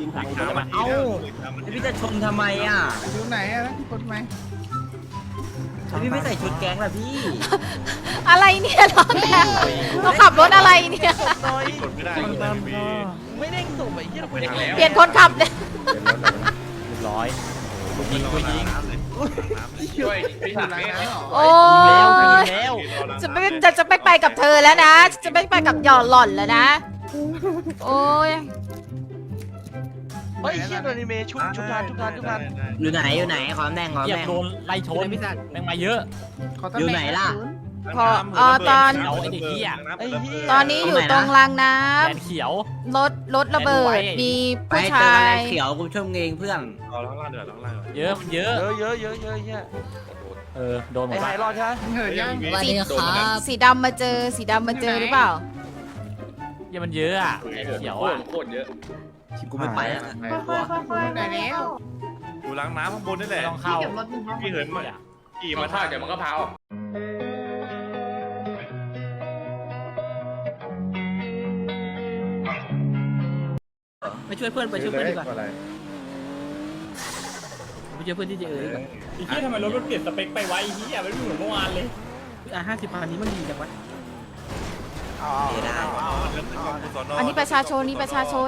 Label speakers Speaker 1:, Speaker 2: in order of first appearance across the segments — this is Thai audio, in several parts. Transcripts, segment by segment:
Speaker 1: เอ้าพี่จะชนทำไมอ่ะ
Speaker 2: อยู่ไหนอะที่คนไหม
Speaker 1: พี่ไม่ใส่ชุดแก๊งล่ะพี่
Speaker 3: อะไรเนี่ยเราขับรถอะไรเนี่ย
Speaker 4: กดไม่ได้ไม่เด้งส่งไปที่เราไปแล้ว
Speaker 3: เปลี่ยนคนขับเนี่ย
Speaker 5: ร้อยยิงกูยิง
Speaker 4: ช่วยพี่ถังนี่
Speaker 3: โอ้ยจะไม่ไปกับเธอแล้วนะ จะไม่ไปกับหยอดหล่อนแล้วนะ โอ้ย
Speaker 4: เฮ้ยเชี่ยโดนิเมะชุบทัน
Speaker 1: อยู่ไหนขอตำแหน่ง
Speaker 5: เหยียบโดนไล่ชนแม่งมาเยอะ
Speaker 1: อยู่ไหนล่ะ
Speaker 3: พอตอน
Speaker 5: เอาไอ้เด็กที่อ่ะ
Speaker 4: ไอ้เหี้ย
Speaker 3: ตอนนี้อยู่ตรงรางน้
Speaker 5: แขนเขียว
Speaker 3: ำรถระเบิด มี
Speaker 1: ไป
Speaker 3: ผู้
Speaker 1: เจอ
Speaker 3: ชา
Speaker 1: อะไร
Speaker 3: ย
Speaker 1: เขียวกูชมเองเพื่อน
Speaker 4: เอาล้างล่างเดือดล้างล่าง
Speaker 5: เยอะมันเยอะ
Speaker 4: เยอะเหี้ย
Speaker 5: โดนหม
Speaker 4: ไอ้
Speaker 5: ด
Speaker 4: ไฮ
Speaker 5: ละ
Speaker 4: รอดใช่ไหม
Speaker 2: เหินยัง
Speaker 3: สีดำมาเจอหรือเปล่า
Speaker 5: ยังมันเยอะอ่ะแขนเขียวอ่ะ
Speaker 4: โคตรเยอะ
Speaker 1: กูไม่ไปแล้ว
Speaker 2: ไหนแล้ว
Speaker 6: อยู่ล้างน้ำข้างบนนี่แหละ
Speaker 5: ต้องเข้า
Speaker 6: พี่เหินมาขี่มาท่าเดี๋ยวมันก็พาออก
Speaker 1: ไปช่วยเพื่อนดีกว่าไปช่วยเพื่อนที่จะดีกว่า
Speaker 7: ไอ้เหี้ยทำไมรถมันเปลี่ยนสเปคไปไวไอ้เหี้ยไม่เหมือนเมื่อวานเลย
Speaker 1: 50,000นี้มันดีจังวะได้
Speaker 3: อันนี้ประชาชน
Speaker 1: ประชาชน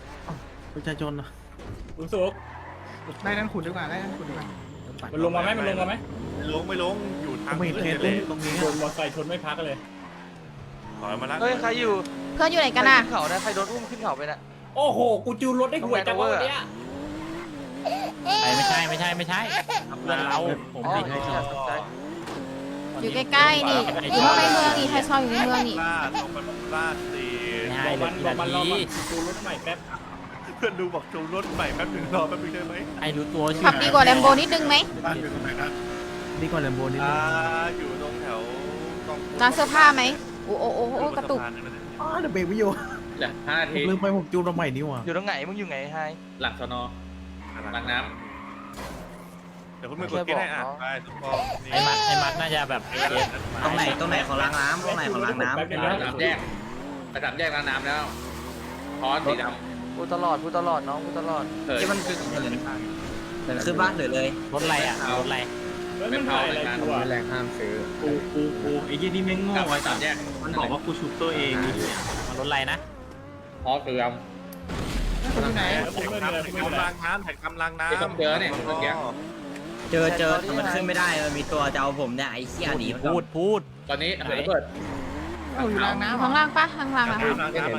Speaker 7: รู้สึก
Speaker 2: ได้นั่นขุดดีกว่าได้นั่นขุดดีกว่า
Speaker 7: มันลงมาไหมมันลงมาไหม
Speaker 6: ไม่ลงอยู่ทางพื้นเลย
Speaker 7: โดนมอเตอร์ไซค์ชนไม่พักเลย
Speaker 6: ถอยมาแล้ว
Speaker 4: เฮ้ยใครอยู่
Speaker 3: เพื่อนอยู่ไหนกันน่ะ
Speaker 4: ขึ้นเขานะใครโดนอุ้มขึ้นเขาไปน่ะ
Speaker 7: โอ้โหกูจูนรถได้หวยจังวะวันเนี้ย
Speaker 5: ไม่ใช่เพื่อนเราผม
Speaker 4: อ๋อ
Speaker 5: ผิด
Speaker 4: เชี่ยตกใจ
Speaker 3: อยู่ใกล้ๆนี่อยู่ข้างในเมืองนี่ใครชอบอยู่ในเมืองนี่
Speaker 6: ลาดลงไปลาดตี
Speaker 5: ไม่ให้เลยกี่นาที
Speaker 7: จูนรถใหม่แป๊บ
Speaker 6: เพื่อนดูบอกจูรถใหม่แป๊บนึงรอแป๊บนึงได้ไหม
Speaker 5: ไอ้รู้ตัวชื่
Speaker 3: ขับดีกว่าแลมโบนิดนึงไหม
Speaker 6: บ้านอยู่ตรงไหนนะ
Speaker 2: ดีกว่าแลมโบนิดนึง
Speaker 6: อยู่ตรงแถว
Speaker 3: ร้านเสื้อผ้าไหมโอ้กระตุก
Speaker 2: อ๋อเดี๋ยวเบรกไม่อยู่
Speaker 4: จ้ะ5 นาที
Speaker 2: ลืมไปผมจูนมาใหม่นี่หว่า
Speaker 4: อยู่ตรงไหนมึงอยู่ไหนไฮ
Speaker 8: หลังสนอหลังน้
Speaker 6: เดี๋ยวคุณมือกดกิ๊กให้อ่ะไปทุกคน
Speaker 5: ไอ้มัดน่าจะแบบเกม
Speaker 1: ตรงไหนของล้างน้ำตรงไหนของล้างน้ำ
Speaker 8: ำสามแยกไปสามแยกล้างน้ำแล้วพอสีด
Speaker 4: พูดตลอดน้องพูดตลอด
Speaker 8: ำเถิด
Speaker 1: ที่มันขึ้นขึ้นบ้านหรือเลย
Speaker 5: รถอะไรอ่ะรถอะไร
Speaker 7: แล้วมันถ่ายอะไรกูอ่ะ
Speaker 2: แรงห้ามซื้อ
Speaker 8: กูไอ้ยี่นี่แม่งโง่ไอ้สามแยก
Speaker 7: มันบอกว่ากูชุบตัวเอง
Speaker 5: มันรถอะไรนะ
Speaker 8: พอเสื่อม
Speaker 2: คุณอยู่ไหน
Speaker 6: แข่งกำลังน้ำแข่งกำลังน้ำ
Speaker 1: เจอแต่มันขึ้นไม่ได้มันมีตัวจะเอาผมเนี่ยไอ้เหี้ยหนีมัน
Speaker 5: พูด
Speaker 8: ตอนนี้เหินเปิด
Speaker 2: อยู่รางน้ำ
Speaker 3: ข้างล่างปะข้างล่างอะคะ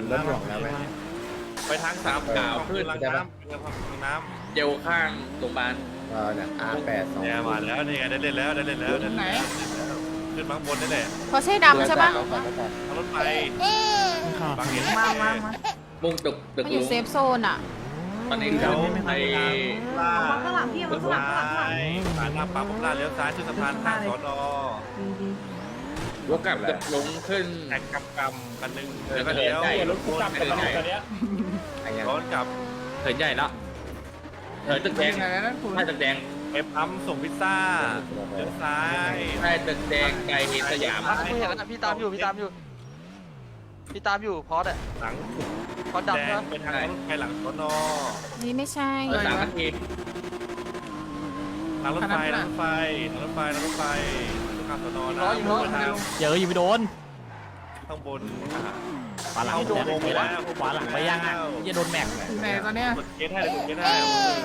Speaker 6: ไปทางสามกาวขึ้นล้างน้ำน้ำ
Speaker 8: เจลข้างโรงพยาบาล
Speaker 2: เนี่ย R82
Speaker 6: เนี่ยมาแล้วนี่ไงได้เล่นแล้วขึ้นมาข้างบนนี่แหละ
Speaker 3: พอใช่ดำใช่ปะ
Speaker 6: ทางรถไฟบางเห็น
Speaker 3: มา
Speaker 8: มุ่งตึก
Speaker 3: มันอยู่เซฟโซนอะ
Speaker 8: ตอนนี้เราไป
Speaker 6: ล่าข้างหลังพี่มันซ้ายผ่านหน้าปั๊มผมล่าเลี้ยวซ้ายขึ้นสะพานข้างสอนอ
Speaker 8: วกกลับลงขึ้น
Speaker 6: แข่งกำกันหนึ่งแล้วก็เลี้ยว
Speaker 7: รถกูกลับกันแล้วตอนเนี้ย
Speaker 6: ย้อนกลับ
Speaker 8: เหินใหญ่แล้วเหินตึกแดง
Speaker 2: ไหนแล้วนั่นคุณ
Speaker 8: ใต้ตึกแดง
Speaker 6: เอฟปั๊มส่งพิซซ่าเลี้ยวซ้าย
Speaker 8: ใต้ตึกแดงไกลเห็นสยาม
Speaker 4: กูเห็นแล้วนะพี่ตามอยู่พอดอะ
Speaker 6: หลัง
Speaker 4: พอด
Speaker 6: แด
Speaker 4: ดำ
Speaker 6: ง
Speaker 4: นะ
Speaker 6: ไปทางรถไฟหลังสอนอ
Speaker 3: นี่ไม่ใช่
Speaker 8: 3 นาที
Speaker 6: หลังรถไฟหลังรถไฟหลังรถไฟหลังรถไฟข้างสอนอนะทาง
Speaker 5: เจออยู่ไปโดน
Speaker 6: ข้างบน
Speaker 5: ขวาหลังขวาหลังไปยังอ่ะจะโดนแม็ก
Speaker 2: อยู่ไหนตอนเนี้ย
Speaker 6: กดเกตให้เลยกดเกตให้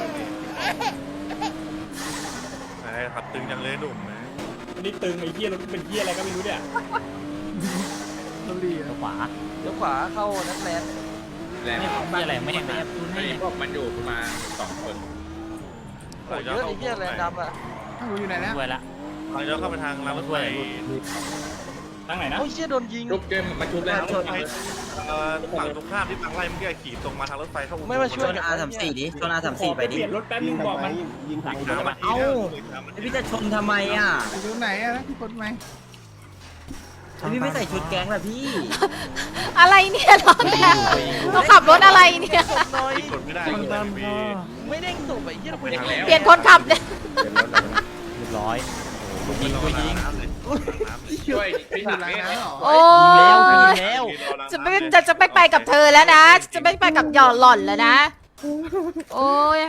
Speaker 6: ขับตึงจังเลยหนุ่มนะ
Speaker 7: นี่ตึงไอ้เหี้ยรถเป็นเหี้ยอะไรก็ไม่รู้เนี่ย
Speaker 2: เราดีอะ
Speaker 5: ขวา
Speaker 4: เดี๋ยวขวาเข้านักแลนด์
Speaker 8: แรง
Speaker 5: ไม่อะไรไม่แอบ
Speaker 8: นี่พวกมันอยู่ประมาณ2 คน
Speaker 4: โอ้เยอะไอ้เหี้ยแลนด์ดำอะ
Speaker 2: คุณอยู่ไหนแล้ว
Speaker 5: ด้วยละ
Speaker 6: ทางย้อนเข้าไปทางรางรถไฟ
Speaker 7: ทางไหนนะ
Speaker 4: โอ้ยเชี่ยโดนยิง
Speaker 8: ทุบเกมมันชุบแล้ว
Speaker 6: ฝั่งตรงข้ามที่ฝั่งไล่เมื่อกี้ขี่ตรงมาทางรถไฟเข้า
Speaker 4: ไม่มาช่วย
Speaker 1: ชน R34ดิชน R34 ไปดิ
Speaker 7: เปลี่ยนรถแป๊บนึงบอกมัน
Speaker 1: เอ้าพี่จะชนทำไมอ่ะ
Speaker 2: อยู่ไหนอะที่คนไหม
Speaker 1: พี่ไม่ใส่ชุดแก๊งล่ะพี่
Speaker 3: อะไรเนี่ยเราขับรถอะไรเนี่ย
Speaker 6: กดไม่ได้กดไม่ได้
Speaker 4: ไม่เด้งส่งไปเหี้ยเราไปแล้ว
Speaker 3: เปลี่ยนคนขับเนี่ย
Speaker 5: เรียบร้อยยิง
Speaker 8: ช่วยพี่ถังนี่
Speaker 3: โอ้
Speaker 5: แล้ว
Speaker 3: จะไม่ไปกับเธอแล้วนะ จะไม่ไปกับหยอดหล่อนแล้วนะโอ้ย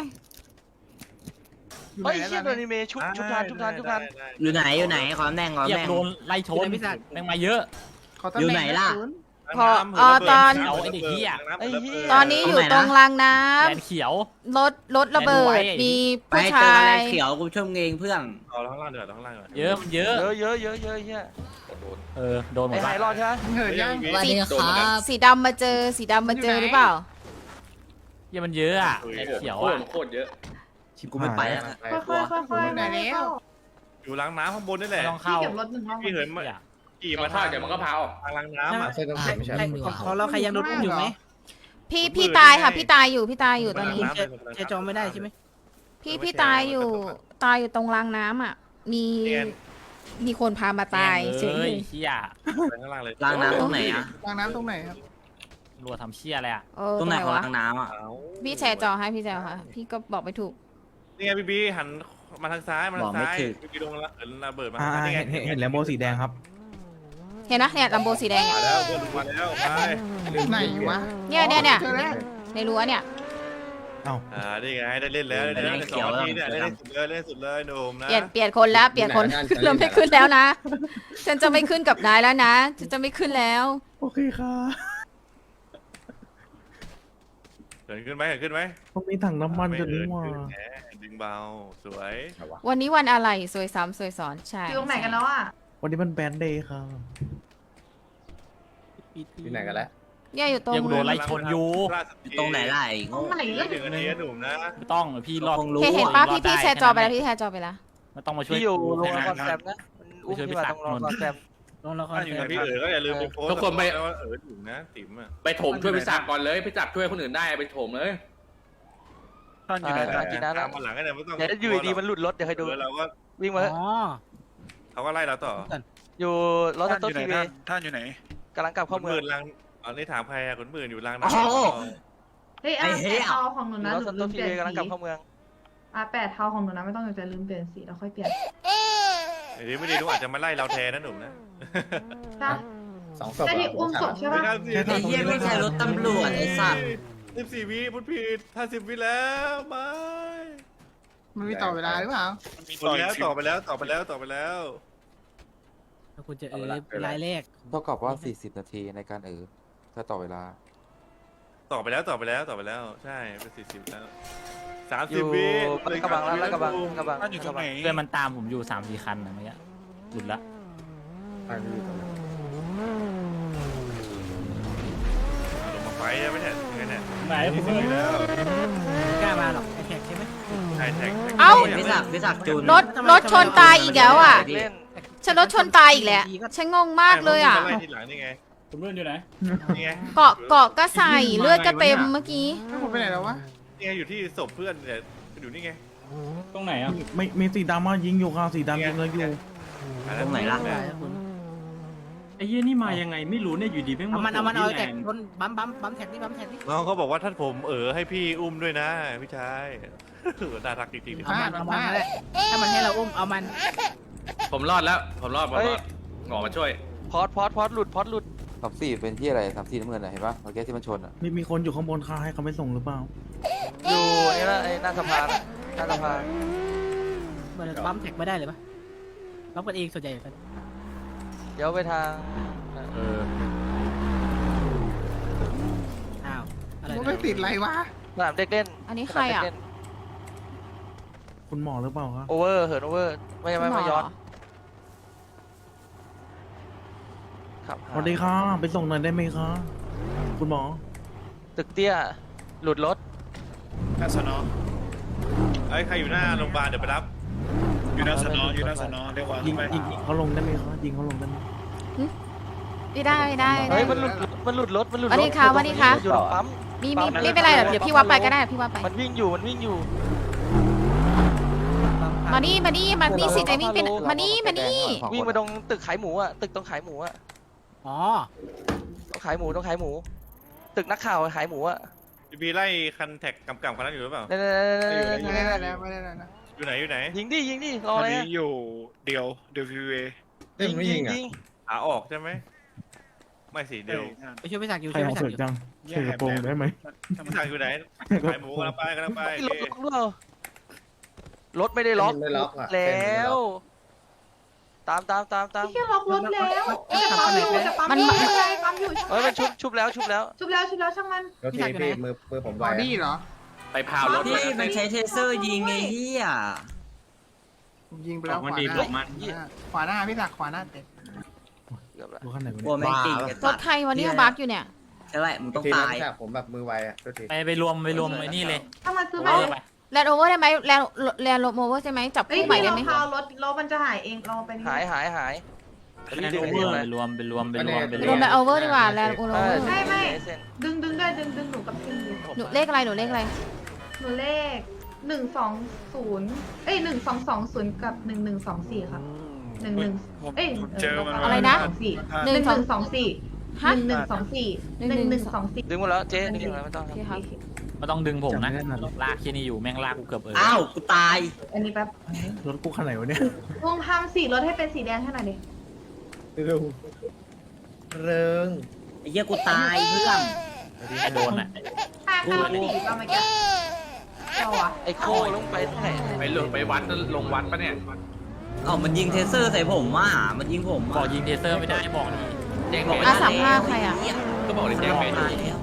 Speaker 2: อยู่
Speaker 4: เฮ้ย
Speaker 2: ไหน
Speaker 4: เชี่ย
Speaker 2: แล้ว
Speaker 4: โดนิเมชุบทาน
Speaker 9: อยู่ไหนอยู่ไหนขอแดงขอ
Speaker 5: เหยีย
Speaker 9: แด
Speaker 5: บ
Speaker 9: ง
Speaker 5: โดนไล่ชนแม่งมาเยอะ
Speaker 2: ขอตำแหน่ง
Speaker 9: อยู่ไหนล่ะ
Speaker 2: ศูนย์
Speaker 3: พอตอน
Speaker 5: เอาไอ้เด็กเหี้ย
Speaker 4: ไอ้เหี้ย
Speaker 3: ตอนนี้อยู่ตรงรางน้
Speaker 5: แลนเขียว
Speaker 3: ำรถระเบิด มี
Speaker 9: ไป
Speaker 3: ผู้
Speaker 9: เจอ
Speaker 3: ชา
Speaker 9: อะไร
Speaker 3: ย
Speaker 9: เขียวกูชมเองเพื่อน
Speaker 6: เอาข้างล่างเดี๋ยวข้างล่างก่อน
Speaker 5: เยอะมันเยอะ
Speaker 4: เยอะเเหี้ย
Speaker 5: โดนหม
Speaker 4: ไอ้
Speaker 5: ด
Speaker 4: ไหน
Speaker 5: ละ
Speaker 4: รอดใช่ไหม
Speaker 2: เหินยัง
Speaker 8: สวัสดีครับ
Speaker 3: สีดำมาเจอหรือเปล่า
Speaker 5: เหี้ยมันเยอะอ่ะไอ้เขียวอ่ะ
Speaker 8: โคตรเยอะ
Speaker 9: ชิกูไม่ไปแล้ว
Speaker 2: ค่อยๆอยู่ไหนแล้ว
Speaker 6: อยู่ล้างน้ำข้างบนนี่แห
Speaker 5: ไม่
Speaker 6: ละ
Speaker 5: ต้องเข้า
Speaker 6: พี่เหินมา
Speaker 5: เหี้ย
Speaker 6: ขี่
Speaker 8: มา
Speaker 6: มา
Speaker 8: ทอดเดี๋ยวมันก็เผา
Speaker 6: ทางล้างน้ำอ่ะ
Speaker 1: ของเราใครยังโดนอุ้มอยู่ไหม
Speaker 3: พี่ตายค่ะพี่ตายอยู่ตอนนี้
Speaker 1: เจจองไม่ได้ใช่ไหม
Speaker 3: พี่ตายอยู่ตรงรางน้ำอ่ะ มีคนพามาตายเฉย
Speaker 5: เฮ้ยเหี้ย
Speaker 6: ไปข้างล่างเลย
Speaker 9: ล้างน้ำตรงไหนอ่ะ
Speaker 2: ล้างน้ำตรงไหนครับ
Speaker 5: รัวทำเชี่ยอะไรอ่ะ
Speaker 3: เออ
Speaker 9: ตรงไหนของ
Speaker 3: วะ
Speaker 9: ล้างน้ำอ่ะ
Speaker 3: พี่แชร์จอให้พี่แชร์ค่ะ พี่ก็บอกไม่ถูก
Speaker 6: นี่ไงพี่หันมาทางซ้ายมาทางซ้ายพี่ลงระเบิดมานี่ไง
Speaker 10: เห็นแลมโบสีแดงครับ
Speaker 3: เห็นนะเนี่ยลำโบสีแดง
Speaker 6: มาแล้วเพื่อนมาแล้วไป
Speaker 2: ไหนวะ
Speaker 3: เนี่ย
Speaker 2: เจอแล้ว
Speaker 3: ในรั้วเนี่ย
Speaker 6: นี่ไงได้เล่นแล้วได้เล่น2 นาทีเนี่ยเล่นสุดเลยหนุ่มนะ
Speaker 3: เปลี่ยนคนแล้วเราไม่ขึ้นแล้วนะ ฉันจะไม่ขึ้นกับนายแล้วนะฉันจะไม่ขึ้นแล้ว
Speaker 10: โอเคค่ะ
Speaker 6: เกิดขึ้นไหม
Speaker 10: ต้องมีถังน้ำมันจนนี่ว่า
Speaker 6: ดึงเบาสวย
Speaker 3: วันนี้วันอะไรสวยซ้ำสวยซ้อนใช่
Speaker 11: อยู่ตรงไหนกันแล้วอ่ะ
Speaker 10: วันนี้มันแบนเดย์ค่ะ
Speaker 8: อยู่ไหนกันแล้ว
Speaker 3: เนี่ยอยู่ตรง
Speaker 5: ยังโดนไล่ชนอยู่
Speaker 9: ตรงไหนล่ะไอ้
Speaker 11: ตรงไหน
Speaker 6: 1 นาทีหนุ่มนะ
Speaker 5: ไม่ต้องพี่รอด
Speaker 9: คงรู้
Speaker 3: เห็นป้าพี่แชร์จอไปแล้วพี่แชร์จอไปแล้ว
Speaker 5: ไม่ต้องมาช่วย
Speaker 4: พี่อยู่
Speaker 5: กู
Speaker 4: โรงละคร
Speaker 5: แค่
Speaker 4: แซ
Speaker 5: นั้น
Speaker 4: มนะอุ้มพี่มาตรงโรงละครแซม
Speaker 1: ลงละคร
Speaker 6: ถ้าอยู่กับพี่ก็อย่าลืมไปโพสว่าถึงนะติ๋มอ่ะ
Speaker 8: ไปโถมช่วยพี่ศักดิ์ก่อนเลยพี่ศักดิ์ช่วยคนอื่นได้ไปโถมเลย
Speaker 6: ท่านอยู่ไหน
Speaker 4: กินน้ำแล้ว
Speaker 6: ตามมาหลังก็ได้ไม่ต้อง
Speaker 4: เดี๋ยวอยู่ดีมันหลุดรถเดี๋ยวให้ดู
Speaker 6: เราก็
Speaker 4: วิ่งมา
Speaker 1: อ๋อ
Speaker 6: เขาก็ไล่เราต่อ
Speaker 4: อยู่รถสต๊อปทีวี
Speaker 6: ท่านอยู่ไหน
Speaker 4: กำลังกลับ
Speaker 6: ค
Speaker 4: เข้าน เมื
Speaker 6: ห
Speaker 4: อง
Speaker 6: มื่นลังอ๋อนี่ถามใครอะคนหมื่นอยู่ลัง
Speaker 9: โอ้
Speaker 6: นะ
Speaker 9: โห
Speaker 11: เฮ้ย8 เทาของหนูนะ
Speaker 4: รถส
Speaker 11: ลื
Speaker 4: ต๊อป
Speaker 11: ม
Speaker 4: ที
Speaker 11: เปลี่ย
Speaker 4: วี
Speaker 11: น
Speaker 4: กำลังกลับ
Speaker 11: สี
Speaker 4: เข้าเมือง
Speaker 11: 8 เทาของหนูนะไม่ต้องจะลืมเปลี่ยนสีแล้วค่อยเปลี่ยน
Speaker 6: เดี๋ยวไม่ดีดูอาจจะมาไล่เราแทนนะหนุ่มนะ
Speaker 11: นะแต่ที่อุ้มศพใช่ปะ
Speaker 9: ไอ้เหี้ยไม่ใช่รถตำรวจไอ้สัตว์
Speaker 6: 14 วิพูดผิด50 วิแล้วไม่
Speaker 2: มันมีต่อเวลาหรือเปล่า
Speaker 6: ต่อไปแล้ว
Speaker 1: คุณจะรายแรก
Speaker 10: เท่ากับว่า 40 นาทีในการถ้าต่อเวลา
Speaker 6: ต่อไปแล้วใช่เป็น40แล้ว
Speaker 4: อยู่
Speaker 6: 30 วิ
Speaker 4: กระบังแล้วกระบัง
Speaker 5: เพื่อนมันตามผมอยู่3-4 คันนะเมื่อกี้หลุดละ
Speaker 6: ลงมาไฟใช่ไหมเนี่ยยังไงเนี่ย
Speaker 7: ไหนผมไม่รู้
Speaker 6: แล้ว
Speaker 1: กล้ามาหรอกไอแท็กใช่ไหม
Speaker 6: ใช่แท็ก
Speaker 3: เอ้า
Speaker 9: พิศักดิ์จูน
Speaker 3: รถชนตายอีกแล้วอ่ะ
Speaker 4: เล่น
Speaker 3: ฉันรถชนตายอีกแล้วฉันงงมากเลยอ่ะ
Speaker 6: ไล่ทีหลังนี่ไง
Speaker 7: ผมเลื่อนอยู่ไหน
Speaker 6: นี่ไง
Speaker 3: เกาะก็ใส่เลือดก็เต็มเมื่อกี้
Speaker 2: แล้วผมไปไหนแล้ววะ
Speaker 6: นี่ไงอยู่ที่ศพเพื่อนเนี่ยอยู่นี่ไง
Speaker 7: ตรงไหนอ่ะ
Speaker 10: ไม่มีสีดำมายิงอยู่ค่ะสีดำยิงเลยอยู่
Speaker 9: ตรงไหนล่ะ
Speaker 7: ไอ้เหี้ยนี่มายังไงไม่รู้เนี่ยอยู่ดีแม่ง
Speaker 1: เอาแท็กบนบัมแท็กนี่บัมแท็กนี่
Speaker 6: น้องเขาบอกว่าท่านผมให้พี่อุ้มด้วยนะพี่ชาย น่ารักจริงๆ
Speaker 1: เอามันนั่นแหละถ้ามันให้เราอุ้มเอามัน
Speaker 8: ผมรอดแล้วผมรอดหงอมาช่วย
Speaker 4: พอดหลุด
Speaker 10: 34เป็นที่อะไร34น้ำเงินเห็นปะเมื่อกี้ที่มันชนมีคนอยู่ข้างบนค่ะให้เขาไม่ส่งหรือเปล่า
Speaker 4: อยู่นี่ละไอ้หน้าสะพานหน้าสะพาน
Speaker 1: มันบัมแท็กไม่ได้เลยปะบัมกันเองส่วนใหญ่กัน
Speaker 4: เดี๋ยวไปทาง
Speaker 1: อ้าวอะไร
Speaker 2: มันไม่ติดอะไรวะ
Speaker 4: สนามเด็กเล่น
Speaker 3: อันนี้ใครอ่ะ
Speaker 10: คุณหมอหรือเปล่าคะ
Speaker 4: โอเวอร์เหินโอเวอร์ไม่ย้อนครับ
Speaker 10: สวัสดีค่ะไปส่งหน่อยได้ไหมคะคุณหมอ
Speaker 4: ตึกเตี้ยหลุดรถ
Speaker 6: ใครอยู่หน้าโรงพยาบาลเดี๋ยวไปรับ
Speaker 10: อยู่หน้าสนยิงเขาลงได้ไหมคะยิงเขาลงได้ไหม
Speaker 3: ไม่ได้
Speaker 4: เฮ้ยมันหลุดรถ
Speaker 3: สวัสดีค่ะ
Speaker 4: อยู่ตรงปั๊ม
Speaker 3: มีไม่เป็นไรเดี๋ยวพี่ว่าไปก็ได้พี่ว่าไป
Speaker 4: มันวิ่งอยู่
Speaker 3: มานี่สิจะวิ่งเป็นมานี่
Speaker 4: วิ่งมาตรงตึกขายหมูอ่ะตึกตรงขายหมูอ่ะ
Speaker 1: อ๋อ
Speaker 4: ต้องขายหมูตึกนักข่าวขายหมูอ่ะ
Speaker 6: บีไล่คันแท็กกำคันนั้นอยู่หรือเปล่า
Speaker 4: นั่น
Speaker 2: ไม่ได้แล้วไม่ได้แล้วนะ
Speaker 6: อยู่ไหน
Speaker 4: ยิงดิรออะไรอ่ะ
Speaker 6: เดียวพีเว
Speaker 4: ยิง
Speaker 6: ขาออกใช่ไหมไม่สิเดี๋ยว
Speaker 1: ไปช่วยพี่ศักดิ์อยู่
Speaker 10: ใคร
Speaker 1: ช่วย
Speaker 10: เอา
Speaker 1: พี่ศัก
Speaker 10: เสื
Speaker 1: ดิ์อยู่
Speaker 10: อกจังใส่กระโปรงได้ไหม
Speaker 6: พี่สั่งอยู่ไหนขายหมูกำลังไปกำลังไป
Speaker 4: รถล็อกหรือเปล่า รถไม่ได้ล็อกแล้ว ตาม
Speaker 11: พี่แค่ล็อกรถแล้วจะปั๊มอยู่จะปั๊มอยู่ปั๊มอยู่
Speaker 4: เฮ้ยมันชุบแล้ว
Speaker 11: ชุบแล้วช่างมัน
Speaker 1: พี่ศักดิ์อยู่ไหน
Speaker 2: บอดี้เหรอ
Speaker 8: ไปพาวรถ
Speaker 9: พี่มันใช้เทเซอร์ยิงไอ้เหี้ย
Speaker 2: ผมยิงไปแล้วขวาหน้าพี่ศักดิ์ขวาหน้าเต็ม
Speaker 10: รถคันไหนวะ
Speaker 9: กลัวแม่งจริง
Speaker 3: รถใครวันนี้บักอยู่เนี่ย
Speaker 9: ใช่ไหมมึงต้องตาย
Speaker 5: ไปรวมไอ้นี่เลย
Speaker 11: ถ้ามันซื้อ
Speaker 5: โอ
Speaker 11: ไป
Speaker 5: เวอร์ไป
Speaker 3: แลนด์โอเวอร์ได้ไหมแลนด์โอเวอร์ใช่ไหมจับ
Speaker 11: เฮ้ย
Speaker 3: คู่ใหม่
Speaker 11: พี่
Speaker 3: ได้
Speaker 11: เรา
Speaker 3: ไหม
Speaker 11: พาวรถมันจะหายเองเราไปนี่
Speaker 4: หาย
Speaker 5: ไปรวม
Speaker 3: รวมแลนด์โอเวอร์ดีกว่าแลนด์โอเวอร์
Speaker 11: ไม่ดึงด้วยดึงหนูกับพี่
Speaker 3: หนูเลขอะไรหนูเลขอะไร
Speaker 11: หนูเลข1201220กับ1124ครับ
Speaker 3: อะไรนะ
Speaker 11: 1124
Speaker 3: ฮะ
Speaker 11: 1124
Speaker 4: ดึงหมดแล้วเจ๊ดึงแล้วไม่ต้อง
Speaker 3: โอเคครับ
Speaker 5: ไม่ต้องดึงผมนะลากที่นี่อยู่แม่งลากกูเกือบ
Speaker 9: อ้าวกูตาย
Speaker 11: อันนี้แป๊บ
Speaker 10: รถกูคันไหนวะเนี่ย
Speaker 11: ลองทำสีรถให้เป็นสีแดงให้หน่อยดิ
Speaker 9: ไอ้เหี้ยกูตายเพื่อน
Speaker 5: ไอ้โดนอ่ะ
Speaker 11: ถ้ามันสีประมาณนี้เราอะ
Speaker 4: ไอ้โค้ลงไปไหน
Speaker 8: ไปวัดลงวัดปะเนี่ย
Speaker 9: เอ้ามันยิงเทเซอร์ใส่ผมว่ะมันยิงผม
Speaker 5: ขอยิงเทเซอร์ไม่ได้บอกนี่
Speaker 8: แจ้ง
Speaker 9: บอก
Speaker 8: เบ
Speaker 9: ไม่
Speaker 8: น
Speaker 9: ได้
Speaker 3: 35ใครอะ
Speaker 8: ก็บอกเลยแจ้งเบน
Speaker 9: ตายแล้ว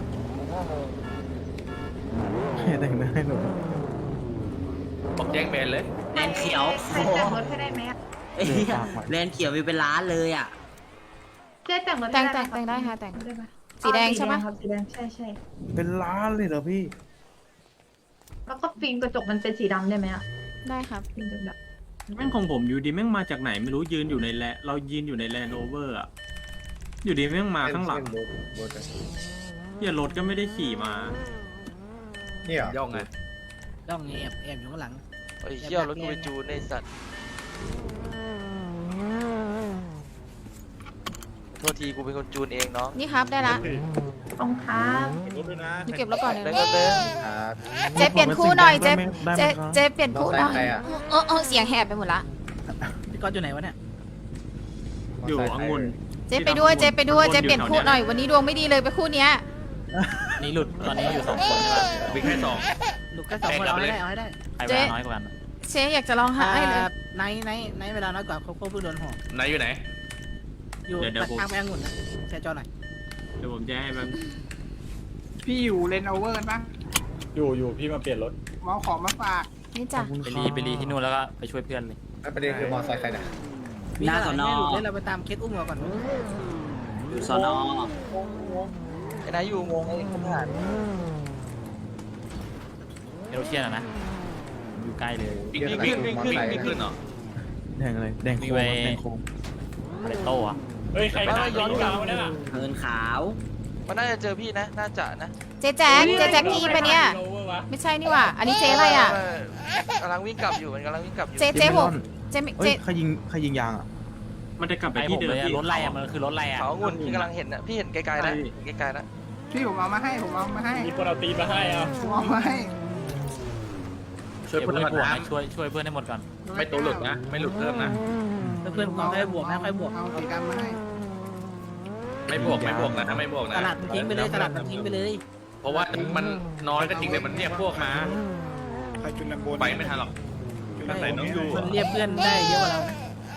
Speaker 10: แต่งหน้าให้หนู
Speaker 8: บอกแจ้งเบนเลย
Speaker 9: แลนเขียว
Speaker 11: ใครแต่งรถให้ได้ไหม
Speaker 9: ไอ้เหี้ยแลนเขียวมีเป็นล้านเลยอ่ะ
Speaker 11: เจ๊แต่งรถ
Speaker 3: แต่งได้ค่ะแต่งสีแดงใช่ไหม
Speaker 11: ครับสีแดงใช่
Speaker 10: เป็นล้านเลยเหรอพี่
Speaker 11: แล้วก็ฟิล์มกระจกมันเป็นสีดำได้ไหมอะ
Speaker 3: ได้ครับ
Speaker 11: ฟิล์มกระจก
Speaker 12: แม่งของผมอยู่ดีแม่งมาจากไหนไม่รู้ยืนอยู่ในเรายืนอยู่ในแลนด์โอเวอร์อะอยู่ดีแม่งมาข้างหลังเหี้ยรถก็ไม่ได้ขี่มา
Speaker 8: ย่องไง
Speaker 1: ต้องแอบอยู่ข้างหลัง
Speaker 4: ไอ้เหี้ยรถกูไปจูนในสัตว์โทษทีกูเป็นคนจูนเองน้อง
Speaker 3: นี่ครับได้ละ
Speaker 11: ตรงครับ
Speaker 6: รถด้วยนะ
Speaker 3: นี่เก็บแล้วก่อนเลย
Speaker 4: แล้วก็เดิน
Speaker 3: เจ๊เปลี่ยนคู่หน่อยเจ๊
Speaker 10: ได้ไหม
Speaker 3: เจ๊เปลี่ยนคู่หน่อยเสียงแหบไปหมดละ
Speaker 1: พี่ก๊อตอยู่ไหนวะเนี่ย
Speaker 12: อยู่องุ่น
Speaker 3: เจ๊ไปด้วยเจ๊ไปด้วยเจ๊เปลี่ยนคู่หน่อยวันนี้ดวงไม่ดีเลยไปคู่เนี้ย
Speaker 5: นี่หลุดตอนนี้อยู่2 คนใช่ป่ะ
Speaker 8: วิ่งแค่2
Speaker 1: ลูกแค่2 คนเอาให้ได้
Speaker 5: ใครเวลาน้อยกว่ากัน
Speaker 3: เจ๊อยากจะร้องไห้เลย
Speaker 1: ในเวลาน้อยกว่าเขาเพิ่งโดนห่อ
Speaker 8: ไหนอยู่ไหน
Speaker 1: อยู่ทางไปองุ่นนะแชร์จอหน่อย
Speaker 12: เดี๋ยวผมจะให้แบบ
Speaker 2: พี่อยู่เลนโอเวอร์กันปะ
Speaker 7: อยู่พี่มาเปลี่ยนรถ
Speaker 2: มาเอาของมาฝาก
Speaker 3: นี่จ้ะ
Speaker 5: ไปรีที่นู่นแล้วก็ไปช่วยเพื่อนเลย
Speaker 9: ประเด็นคือมอไซค์ใครนะ
Speaker 1: มี
Speaker 9: หน้า
Speaker 1: ข
Speaker 9: ส
Speaker 1: นาด
Speaker 9: น
Speaker 1: นี้
Speaker 9: อ
Speaker 1: หลุดเล่นเราไปตามเคสอุ้มเราก่อน
Speaker 9: อยู่สอนอ
Speaker 4: ไอ้นายอยู่งงไอ้ขนาด
Speaker 5: เอโรเชียนนะอยู่ใกล้เลย
Speaker 8: วิ่งขึ้นเหรอ
Speaker 10: แดงอะไร แดงโค้งแดงโค้ง
Speaker 5: อะไรโต้อะ
Speaker 7: เฮ้ยใครมาย้อนกลางวะเนี่ย
Speaker 9: เฮินขาว
Speaker 4: มันน่าจะเจอพี่นะน่าจะนะ
Speaker 3: เจ๊แจ็คกี้ปะเนี่ยไม่ใช่นี่หว่าอันนี้เจ๊อะไรอ่ะ
Speaker 4: กำลังวิ่งกลับอยู่มันกำลังวิ่งกลับอยู่
Speaker 3: เจ๊ผมเจ๊
Speaker 10: เฮ้ยใครยิงยางอ่ะ
Speaker 12: มันจะกลับไป
Speaker 5: ไอ้ผ
Speaker 12: ที่
Speaker 5: ม
Speaker 12: เดิ
Speaker 5: เล
Speaker 12: ม
Speaker 5: ยรถไล่อะมันคือรถไล่อะ
Speaker 4: เขาองุ่นพี่กำลังเห็นนะพี่เห็นไกลๆนะไกลๆนะ
Speaker 2: พี่ผมเอามาให้ผมเอามาให้
Speaker 7: มีคนเอาตีมาให้อ่ะ
Speaker 2: ผมเอามาให้
Speaker 8: ช่วย
Speaker 5: เพื่
Speaker 8: เพื่
Speaker 5: อ
Speaker 8: อน น
Speaker 5: ให้บวก
Speaker 8: ก่อน
Speaker 5: นะ
Speaker 8: นะ
Speaker 5: ช่วยเพื่อนให้หมดก่อน
Speaker 8: ไม่ตัวหลุดนะไม่หลุดเพิ่มนะ
Speaker 1: เพื่อนก่อนค่อยบวกนะค่อยบวก
Speaker 2: เอาสีดำมาให้
Speaker 8: ไม่บวกนะไม่บวก
Speaker 1: ต
Speaker 8: นะ
Speaker 1: ลาดทิ้งไปเลยตลาดทิ้งไปเลย
Speaker 8: เพราะว่ามันน้อยก็จริงแต่มันเรียกพวกมา
Speaker 6: ใครจุนลำโบน
Speaker 8: ไปไม่ทันหรอก
Speaker 6: ตั้งแต่น้องอยู่
Speaker 1: มันเรียกเพื่อนได้เยอะกว่าเรานะ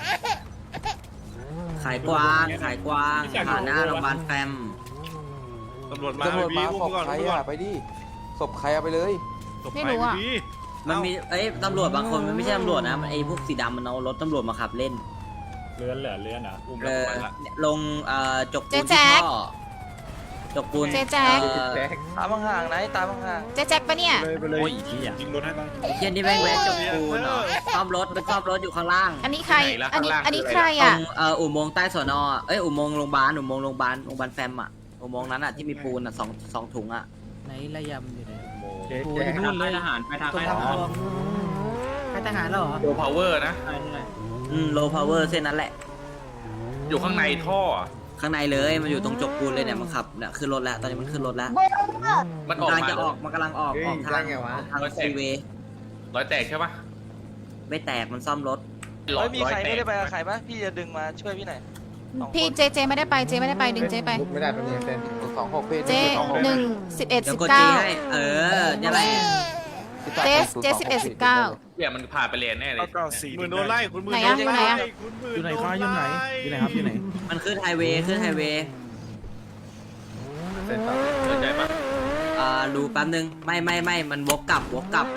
Speaker 9: ขายกวางผ่านหน้าโรงพยาบาลแฟม
Speaker 6: ตำรวจมาพี่อุ้มก่อนอุ้มก่อน
Speaker 10: ไปดิศพใครเอาไปเลย
Speaker 3: ไม่รู้อ่ะ
Speaker 9: มันมีตำรวจบางคนมันไม่ใช่ตำรวจนะไอ้พวกสีดำมันเอารถตำรวจมาขับเล่น
Speaker 7: เลื่อนเหรอเลื่อนอ่ะ
Speaker 8: อุ้ม
Speaker 9: เอ
Speaker 8: แล้ว
Speaker 9: อ
Speaker 8: ไปละ
Speaker 9: ลงจกปูนที่ท่อจกปูน
Speaker 3: เจ๊แจ็ค
Speaker 4: ตามห่างๆนะตามห่าง
Speaker 3: เจ๊แจ็คปะเนี่ย
Speaker 6: ไปเลย
Speaker 5: โอ้ยอีกทีอ่ะ
Speaker 6: ยิงรถให้ตั้ง
Speaker 9: ไอ้เชี่ยนี่แม่งแวะจกปูนเหรอซ่อมรถมันซ่อมรถอยู่ข้างล่าง
Speaker 3: อันนี้ใครอันนี้ใคร
Speaker 9: ตร
Speaker 3: อ่ะ
Speaker 9: งอุโมงค์ใต้สอนอุโมงค์โรงพยาบาลโรงพยาบาลแฟมอ่ะอุโมงค์นั้นอ่ะที่มีปูนอ่ะสองถุงอ่ะ
Speaker 1: ไหนระยำอยู่ไหน
Speaker 12: โอ้ยนู่นเลยทหารไปทาง
Speaker 1: ตัว
Speaker 12: ค่าย
Speaker 1: ท
Speaker 12: ทหาร
Speaker 1: องใครทหารแล้วเหรอ
Speaker 8: โลพาวเวอร์นะ
Speaker 9: โลพาวเวอร์เส้นนั้นแหละ
Speaker 8: อยู่ข้างในท่อ
Speaker 9: ข้างในเลยมันอยู่ตรงจกปูนเลยเนี่ยมันขับเนี่ยขึ้นรถแล้วตอนนี้มันขึ้นรถแล้ว
Speaker 8: มัน
Speaker 9: มัน
Speaker 8: ออก
Speaker 9: กำลัง
Speaker 8: มา
Speaker 9: จะออกมันกำลังออกทางซีเวย์
Speaker 8: รอยแตกใช่ปะ
Speaker 9: ไม่แตกมันซ่อมรถ
Speaker 4: ๆเฮ้ยมีใครไม่ได้ไปกับใครปะพี่จะดึงมาช่วยพี่หน่อย
Speaker 3: พี่เจไม่ได้ไปเจไม่ได้ไปดึงเจไป
Speaker 10: ไม่ได้เป็นเส้น26พี่
Speaker 3: เจ1 11
Speaker 9: เดี๋ยวกดจีให้
Speaker 3: 19
Speaker 9: เนี่ยแหละ
Speaker 3: เจ11 19
Speaker 8: เดี๋ยวมันผ่านไปเลนแน่เลย
Speaker 6: หมื่นโดนไล่คุณหมื่น
Speaker 3: ไหนอะอยู่ไหนอะ
Speaker 6: คุณหมื่น
Speaker 10: อยู่ไหนคะอยู่ไหนอยู่ไหนครับอยู่ไหน
Speaker 9: มันขึ้นไฮเวย์ขึ้นไฮเวย์
Speaker 10: เส้นต่อ
Speaker 8: เดินใจปะ
Speaker 9: ดูแป๊บนึงไม่มันวกกลับกลับ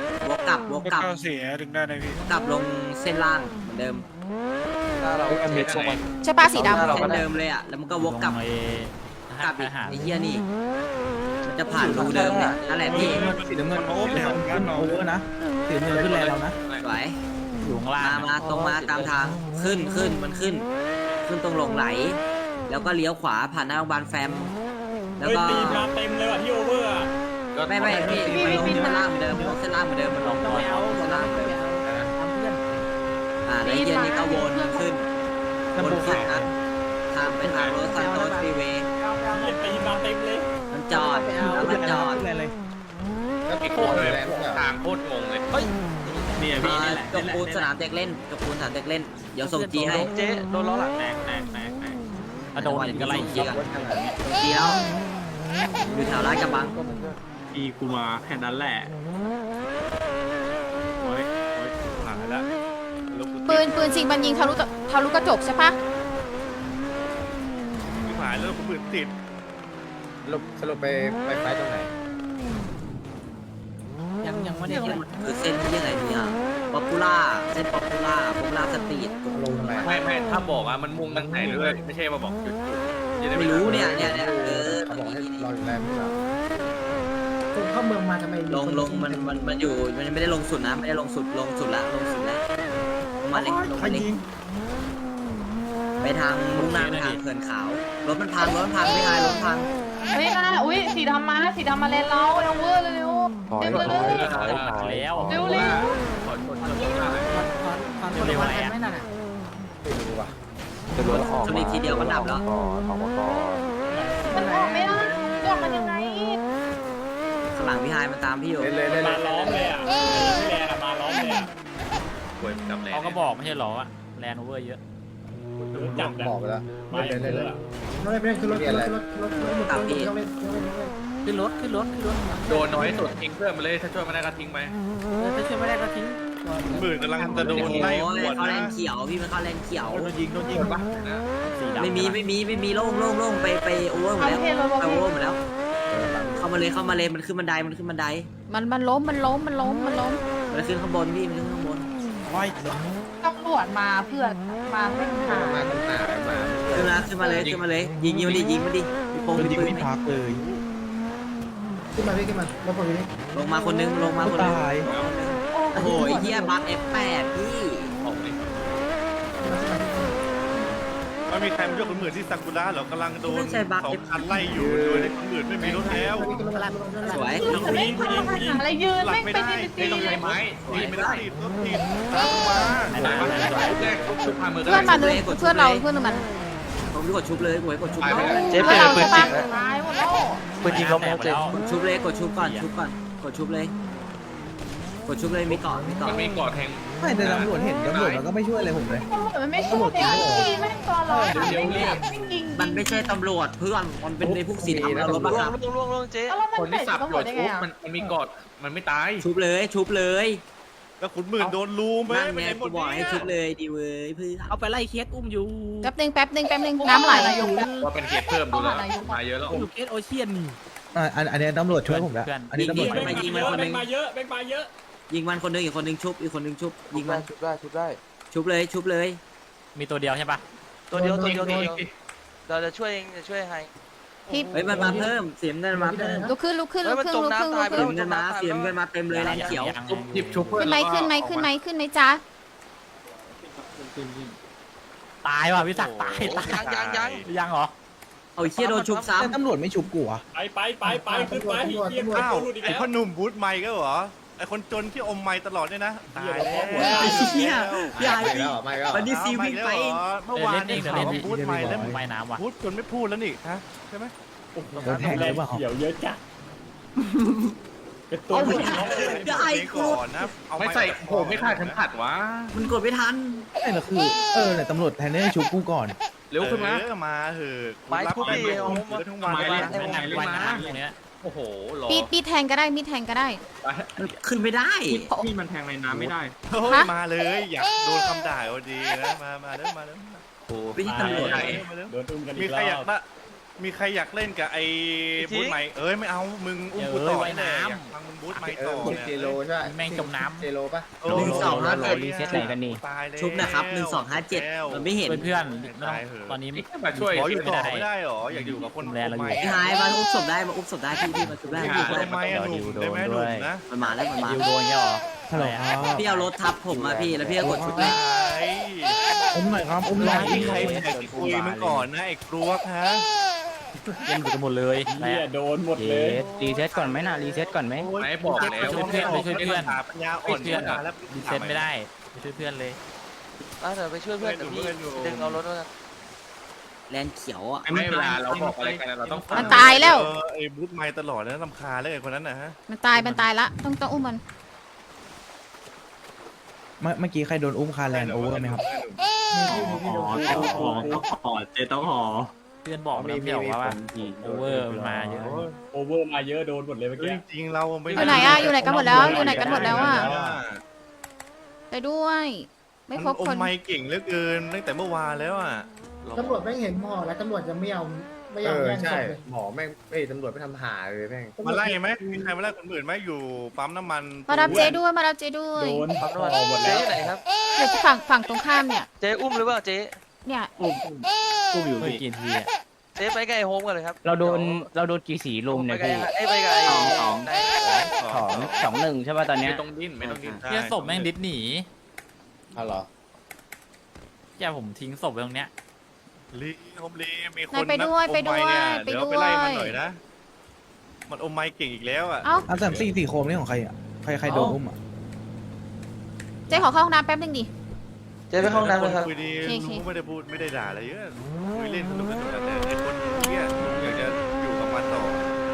Speaker 9: ลงเส้นล่างเหมือนเดิม
Speaker 3: ใช่ป้าสีดำ
Speaker 9: เส้นเดิมเลยอ่ะแล้วมันก็วกกลับ
Speaker 5: ลงไอ้
Speaker 9: กลับอีก
Speaker 5: หา
Speaker 9: ไอ้เหี้ยนี่มันจะผ่านรูเดิมเนี่ยนั่นแหละพี่
Speaker 10: สีน้ำเงินขึ้นโอเวอร์นะสีน้ำเงินขึ้นแรงเรานะ
Speaker 9: สวย
Speaker 5: อยู่ข้างล่าง
Speaker 9: มาตรงมาตามทางขึ้นมันขึ้นตรงลงไหล แล้วก็เลี้ยวขวาผ่านหน้าโรงพยาบาลแฟมแล้ว
Speaker 7: เฮ้ย
Speaker 9: ก็
Speaker 7: ตีมาเต็มเลยว่ะที่โอเวอร์อะ
Speaker 9: ไม่พี่มันลงเส้นล่างเหมือนเดิมเส้นล่างเหมือนเดิมมันลง
Speaker 1: ไม่เอา
Speaker 9: เส้นล่างเหมือนเดิม
Speaker 1: ทำเพื่อน
Speaker 9: แล้วเย็นนี้ก็วนขึ้นนะทางไปทางรถซันโตสฟรีเวย์
Speaker 7: เหี้ยตีมาเต็มเลย
Speaker 9: มันจอดแล้วมันจอด
Speaker 10: เลย
Speaker 8: ก็ติดโคตรเลยทางโคตรงงเลย
Speaker 12: เนี่ยพี่นี่แหละ
Speaker 9: จบปูนสนามเด็กเล่นเดี๋ยวส่งจีให้
Speaker 4: เจ๊โดนล้อหลัง
Speaker 12: แตก
Speaker 5: อะโดนอีกก็ไล่เคีย
Speaker 9: เดี๋ยวอยู่แถวลาดกระบัง
Speaker 12: พี่กูมาแค่นั้นแหละโอ้ย
Speaker 6: หายแล้ว
Speaker 3: ปืนจริงมันยิงทะลุกระจกใช่ปะ
Speaker 6: หายแล้วคุณหมื่นติด
Speaker 10: สรุปไปไฟตรงไหน
Speaker 1: ยังไม่ได้
Speaker 9: เนี่ยคือเส้นที่ยังไงเนี่ยป๊อปปูล่าเส้นป๊อปปูล่าสตรีท
Speaker 10: ลงทำไม
Speaker 8: ไม่ถ้าบอกอ่ะมันมุ่งตั้งไหนด้วยไม่ใช่มาบอกจุดจะด้
Speaker 9: ไม่รู้เนี่ยตรง
Speaker 10: บอก
Speaker 9: นี้
Speaker 10: ให้รออยู่แรงไม่หรอ
Speaker 2: ผมเข้าเมืองมาทำไม
Speaker 9: ลงมันอยู่มันไม่ได้ลงสุดนะไม่ได้ลงสุดละลงสุดแล้วลงมาเลยไปทางมุ่งหน้าไปทางเขื่อนขาวรถมันพังไม่หายรถพัง
Speaker 11: เฮ้ยนะอุ้ยสีดำมาเลนเราโอเวอร์เร็ว
Speaker 10: ถอย
Speaker 5: แล้ว
Speaker 11: เร็ว
Speaker 1: ฟังคนละวันกันไม่น่ะ
Speaker 10: ไม่รู้ว่ะจะรถออก
Speaker 9: ชนอีกทีเดียวมันดับแล้ว
Speaker 10: ออกมาก่อน
Speaker 11: มันออกไม่ได้ออกมันยังไง
Speaker 9: ข้างหลังพี่ไฮมันตามพี่อยู่
Speaker 10: เล่น
Speaker 7: มาล้อมเลยอ่ะพี่แลนอะมาล้อมเลยอะ
Speaker 8: ป่วยกับแรง
Speaker 5: เขาก็บอกไม่ใช่หรออะแลนด์โอเวอร์เยอะ
Speaker 7: รู้จักกัน
Speaker 10: บอกไปแล้ว
Speaker 7: มาเยอะอะ
Speaker 2: ไม่คือรถ
Speaker 9: ตามพี่
Speaker 1: ขึ้นรถ
Speaker 8: โดนน้อยสุดทิ้งเพื่อนมาเลยถ้าช่วยมาได้ก็ทิ้งไป
Speaker 1: ถ้าช่วยไม่ได้ก็ทิ้ง
Speaker 6: หมื่นกำลังจะโดนไล่
Speaker 9: โอ้ย
Speaker 6: หัว
Speaker 9: เขาแล
Speaker 6: นะ
Speaker 9: นเขียวพี่มันเข้าแลนเขียว
Speaker 10: โดนยิงปะ
Speaker 5: สีดำ
Speaker 9: ไม่มีโล่งไปโอเวอร์หมดแล้วไปโอเวอร์หมดแล้วเข้ามาเลยมันขึ้นบันได
Speaker 3: มันล้มมัน
Speaker 9: ขึ้นข้างบนพี่มันขึ้นข้างบน
Speaker 11: ตำรวจมาเพื่อมาเล่นหา
Speaker 9: ขึ้นมาเลยยิงมันดิมีโป่งมีปืนไหม
Speaker 2: ขึ้นมาพี่ขึ้นมาแล้วผมนี่
Speaker 9: ลงมาคนนึงโอ้โหเฮียบัฟ F8 พี่
Speaker 8: ออกเลย
Speaker 6: มันมีใครมาช่วยคุณหมื่นที่ซากุระเหรอกำลังโดน2 คันไล่อยู่โดยคุณหมื่นไม่มีรถแล้ว
Speaker 9: สวย
Speaker 11: ไม่ทำอะไรยืน
Speaker 6: หลับ
Speaker 11: ไม่
Speaker 6: ไม่
Speaker 11: ไป
Speaker 6: ได้
Speaker 11: ตี
Speaker 8: ไม่ต้องใช้ไม้
Speaker 6: ตีไม่ได้รถติดตามมา
Speaker 8: แรกชุบพามือ
Speaker 3: เพื่อนมันเพื่อนเราเพื่อนมัน
Speaker 9: ผมกดชุบเลยกดชุบ
Speaker 4: เจ๊เปลี่ยนปืนจริงแล้ว
Speaker 11: ตายหมดแล้ว
Speaker 4: ปืนจริงล้มแล้วเจ๊
Speaker 9: กดชุบเลยกดชุบก่อนกดชุบเลยมีเกาะ
Speaker 8: มันมีกอดแทง
Speaker 10: ไม่แต่ตำรวจเห็นตำรวจมันก็ไม่ช่วยอะไรผมเลย
Speaker 11: มันไม่ช่วยตีแม่งตัวร้อนไม่ยิง
Speaker 9: มันไม่ใช่ตำรวจเพื่อนมันเป็นในพวกสีดำแล้วรถบังคับ
Speaker 4: ล่วงเจ๊
Speaker 11: แล้วมัน
Speaker 8: คน
Speaker 11: เป็
Speaker 8: ที่
Speaker 11: น
Speaker 8: สับ
Speaker 11: ตำร
Speaker 8: หั
Speaker 11: ว
Speaker 8: ว
Speaker 11: จได้
Speaker 8: ชุ
Speaker 11: ไง
Speaker 8: บ
Speaker 11: อ่ะ
Speaker 8: มันมีกอดมันไม่ตาย
Speaker 9: ชุบเลย
Speaker 6: แล้วคุณหมื่นโดนลูมไป
Speaker 9: นั่น
Speaker 6: ไม่
Speaker 9: ไง
Speaker 6: ได้หม
Speaker 9: กู
Speaker 6: ด
Speaker 9: บอกให้ชุบเลยดีเว้ยเพื่อน
Speaker 1: เอาไปไล่เคสอุ้มอยู่
Speaker 3: แป๊บนึงน้ำไหล
Speaker 8: ว่าเป็นเกียรเพิ่มดูแล้วมาเยอะแล้ว
Speaker 1: อยู่เคสโอเชียนนี่
Speaker 10: อันนี้ตำรวจช่วยผมแล้วอันนี้ตำรวจ
Speaker 7: แบงค์มาเยอะแบงค์มาเยอะ
Speaker 9: ยิงมันคนนึงอีกคนนึงชุบยิงมัน
Speaker 10: ชุบได้
Speaker 9: ชุบเลย
Speaker 5: มีตัวเดียวใช่ปะ
Speaker 4: ตัวเดียวเราจะช่วยให้
Speaker 3: พี่
Speaker 9: เฮ้ยมันมาเพิ่มเสียงเงินมาเพิ่ม
Speaker 3: ลุกขึ้น
Speaker 9: เสียงเงินมาเต็มเลยแรงเขียว
Speaker 8: หยิบชุบเพื่อน
Speaker 3: ขึ้นไหมจ๊ะ
Speaker 5: ตายว่ะพี่ศักดิ์ตาย ยังเหรอ
Speaker 9: เอาเชี่ยโดนชุบซ้ำ
Speaker 10: ตำรวจไม่ชุบกูอ่ะ
Speaker 7: ไปขึ้นไปเฮีย
Speaker 6: อ้าว
Speaker 7: พูดอีก
Speaker 6: ไอ
Speaker 7: แล้ว
Speaker 6: พ่อหนุ่มบูทไมค์ก็เหรอไอคนจนที่อมไมค์ตลอดเนี่ยนะตายแล้ว
Speaker 9: เชี่ยยายวันนี้ซีวิ่งไป
Speaker 6: เมื่อวานนี้ข่าวว่าบูทไมค์แล้ว
Speaker 5: ไม่น้ำว่ะ
Speaker 6: บูทจนไม่พูดแล้วนี่ฮะใช่ไหม
Speaker 10: โดนแทงหรือเปล่า
Speaker 7: เขียวเยอะจัดเป็นตัว
Speaker 9: ได้
Speaker 6: ก่อนนะ
Speaker 8: ไม่ใส่โหไม่คาดขันขัดวะ
Speaker 9: มันกดไม่ทัน
Speaker 10: ไม่ละคือเนี่ยตำรวจแทนที่จะชุบกูก่อน
Speaker 8: เร็วขึ้นมา
Speaker 6: มาเหอะ
Speaker 4: ไม้ทุบดิโอ้โห
Speaker 6: ทั้งวัน
Speaker 12: ไม้
Speaker 6: เลย
Speaker 12: เล่น
Speaker 5: ไม่
Speaker 12: ไม้
Speaker 5: ไหน
Speaker 12: เล่น
Speaker 5: วัน
Speaker 12: มา
Speaker 5: น้ำตรงเนี้ย
Speaker 8: โอ้โหหรอ
Speaker 3: มีดแทงก็ได้มีดแทงก็ได้
Speaker 9: มันขึ้นไม่ได้
Speaker 12: มีดมันแทงในน้ำไม่ได้
Speaker 6: เฮ้ย
Speaker 3: ฮะ
Speaker 6: มาเลยอยากโดนคำด่าเอาดีนะมาเร็วมาเร็ว
Speaker 9: ไม่ใช่ตำรวจ
Speaker 6: มาเร็ว
Speaker 7: โดนอุ้มกัน
Speaker 6: มี
Speaker 7: อีก
Speaker 6: ใคร
Speaker 7: ร
Speaker 6: อยา
Speaker 7: อก บ
Speaker 6: ได้มีใครอยากเล่นกับไอ้บูธใหม่เอ้ยไม่เอามึงอุ้มกูต่อแน่อยากฟังมึงบูธใหม่ต่อเนี่ย
Speaker 2: เจโรใช่ไหม
Speaker 5: แม่งจมน้ำ
Speaker 2: เจโรป่ะ
Speaker 6: โอ้
Speaker 9: หนึ่งสองห้าเจ็ด
Speaker 5: รีเซ็ตไหนกันนี่
Speaker 6: ตายแล้ว
Speaker 9: ชุบนะครับ1257มันไม่เห็น
Speaker 5: เพื่อนๆไม่ต้องตอนนี้
Speaker 8: มาช่วย
Speaker 6: ขออยู่
Speaker 5: ไม่
Speaker 6: ต่อ
Speaker 5: ได้
Speaker 6: ไม่ได้หรออยากอยู่กับคน
Speaker 5: แลเราอยู่
Speaker 9: พี่ไฮมาอุ้มศพได้มาอุ้มศพได้พี่มาชุบได้
Speaker 6: อยู่ทำไมอะหนุ่มได้ไหมหนุ่มนะ
Speaker 9: มันมาแล้วมันมา
Speaker 5: ดิวโดนเนี่ยหรอ
Speaker 10: ฮัลโหลครับ
Speaker 9: พี่เอารถทับผมมาพี่แล้วพี่ก็กดชุบเลย
Speaker 10: อุ้มหน่อยครับอุ้มหน่อย
Speaker 6: มีใครอยากจะคุยมึงก่อนนะไอ้กรวกฮะ
Speaker 5: เล่นหลุดกันหมดเลยอะไร
Speaker 7: เหี้ย
Speaker 5: อะ
Speaker 7: โดนหมด
Speaker 5: เย
Speaker 7: เลย
Speaker 5: สรีเซ็ตก่อนไหมนะรีเซ็ตก่อนไหม
Speaker 8: ไม่บอกแล้ว
Speaker 5: ช่วยเพื่อนไปช่วยเพื่อน
Speaker 6: ปัญญาอ่อน
Speaker 5: รีเซ็ตไม่ได้ไปช่วยเพื่อนเลย
Speaker 4: เดี๋ยวไปช่วยเพื่อนเดี๋ยวพี่ดึงเอารถมา
Speaker 9: แลนเขียวอ่ะ
Speaker 8: ไม่เวลาเราบอกอะไรกันเราต้องฟัง
Speaker 3: มันตายแล้ว
Speaker 6: ไอ้บูธไม้ตลอดนะลำคาญเลยไอ้คนนั้นนะฮะ
Speaker 3: มันตายละต้องอุ้มมัน
Speaker 10: เมื่อกี้ใครโดนอุ้มคาแลนโอเวอร์ไหมครับ
Speaker 12: ต้องขอเจต้องขอ
Speaker 5: เพื่อนบอกแล้วไม่บอกว่าโอเวอร์มันมาเยอะ
Speaker 7: โอเวอร์มาเยอะโดนหมดเลยเมื่อกี้
Speaker 6: จริงๆเราไม่
Speaker 3: อยู่ไหนอะอยู่ไหนกันหมดแล้วอยู่ไหนกันหมดแล้วอะไปด้วย ไม่ครบ
Speaker 6: อ
Speaker 3: ค
Speaker 6: ม
Speaker 3: น
Speaker 6: ไม้เก่งเหลือเกินตั้งแต่เมื่อวานแล้วอ่ะ
Speaker 2: ตำรวจไม่เห็นหมอแล้วตำรวจจะไม่เอาไม่ยอมแย่งศพเลยหมอแม่งเอ้ยตำรวจไม่ทำหาเลยแม่ง
Speaker 6: มาไล่ไหมมีใครมาไล่คนอื่นไหมอยู่ปั๊มน้ำมัน
Speaker 3: มารับเจด้วยมารับเจด้วย
Speaker 7: โดน
Speaker 4: ปั๊มน้ำมัน
Speaker 7: ออกหมด
Speaker 4: เจ๊
Speaker 7: แล้ว
Speaker 4: อยู่ไหนครับ
Speaker 3: เดี๋ยวจะฝั่งตรงข้ามเนี่ย
Speaker 4: เจ๊อุ้มหรือเปล่าเจ๊
Speaker 3: เนี่ย
Speaker 5: กู้อยู่ไม่กี่ทีอะ
Speaker 4: เจ๊ไปไกลโฮมกันเลยครับ
Speaker 5: เราโดนกี่สีลุมเนี่ยพี่
Speaker 4: ไปไกล
Speaker 5: 2-1ใช่ป่ะตอนเนี้ย
Speaker 8: ไม่ต้องดิ้นไม่ต้องดิ้น
Speaker 5: เพื่อศพแม่งดิสหนี
Speaker 2: อ๋อเหรอ
Speaker 5: แกผมทิ้งศพไว้ตรงเนี้ย
Speaker 6: ลีโฮมลีมีคน
Speaker 3: นายไปด้วย
Speaker 6: นัก
Speaker 3: ไปด้วย
Speaker 6: อมไม้เนี่ย
Speaker 3: ไป
Speaker 6: เดี๋ยว
Speaker 3: ด้วย
Speaker 6: ไปไล่มันหน่อยนะมันอมไม้เก่งอีกแล้วอ่ะ
Speaker 3: เอ้า
Speaker 10: อัน3-4โคมนี่ของใครอ่ะใครโดนอุ้มอ่ะ
Speaker 3: เจ๊ขอเข้าห้องน้ำแป๊บนึงดิ
Speaker 4: เจ๊ไปห้องน้ำเลยครับ
Speaker 6: คุยดี
Speaker 3: โอเค
Speaker 6: ลุงไม่ได้พูดไม่ได้ด่าอะไรเยอะคุยเล่นสนุกแต่ไอ้คนเนี่ยอยากจะอยู่กับมันต่อ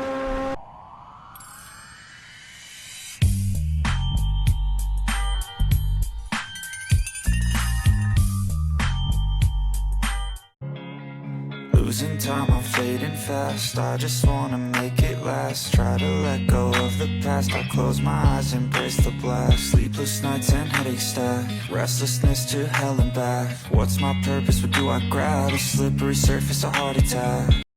Speaker 13: Losing time, I'm fading fast. I just wanna make it last. Try to let go of the past. I close my eyes, embrace the blast. Sleepless nights and headaches stack. Restlessness to hell and back. What's my purpose? What do I grab? A slippery surface, a heart attack.